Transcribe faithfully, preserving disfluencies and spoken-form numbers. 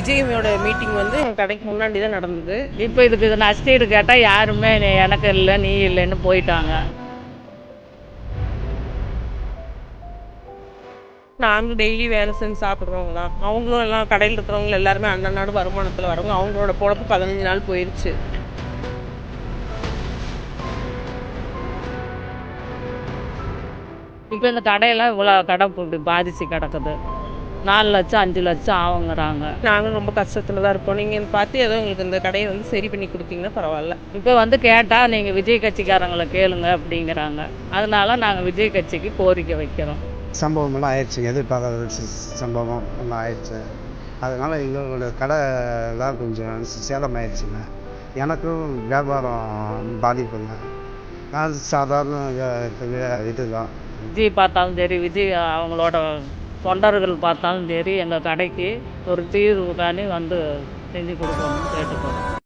விஜயோட மீட்டிங் வந்து எங்கள் கடைக்கு முன்னாடி தான் நடந்தது. இப்போ இதுக்கு இது நஷ்டீடு கேட்டால் யாருமே நீ- எனக்கு இல்லை நீ இல்லைன்னு போயிட்டாங்க. நாங்களும் டெய்லி வேலை செஞ்சு சாப்பிட்றவங்க தான். அவங்களும் எல்லாம் கடையில் இருக்கிறவங்க எல்லாருமே அன்னநாடு வருமானத்தில் வரவங்க. அவங்களோட பொழப்பு பதினஞ்சு நாள் போயிடுச்சு. இப்போ இந்த கடையெல்லாம் இவ்வளோ கடை இப்படி பாதிச்சு கிடக்குது. நாலு லட்சம் அஞ்சு லட்சம் ஆகுங்கிறாங்க. நாங்களும் ரொம்ப கஷ்டத்தில் தான் இருப்போம். நீங்கள் பார்த்து ஏதோ எங்களுக்கு இந்த கடையை வந்து சரி பண்ணி கொடுத்தீங்கன்னா பரவாயில்ல. இப்போ வந்து கேட்டால் நீங்கள் விஜய் கட்சிக்காரங்களை கேளுங்க அப்படிங்கிறாங்க. அதனால நாங்கள் விஜய் கட்சிக்கு கோரிக்கை வைக்கிறோம். சம்பவம் எல்லாம் ஆயிடுச்சுங்க, எதிர்பார்க்காத சி- சம்பவம் எல்லாம் ஆயிடுச்சு. அதனால் எங்களோட கடை எல்லாம் கொஞ்சம் சேதம் ஆயிடுச்சுங்க. எனக்கும் வியாபாரம் பாதிப்புங்க. நான் சாதாரண வே- இதுதான். விஜய் பார்த்தாலும் சரி, விஜய் அவங்களோட தொண்டர்கள் பார்த்தாலும் சரி, எங்கள் கடைக்கு ஒரு தீர்வு காணி வந்து செஞ்சு கொடுக்கணும்னு கேட்டுக்கிறோம்.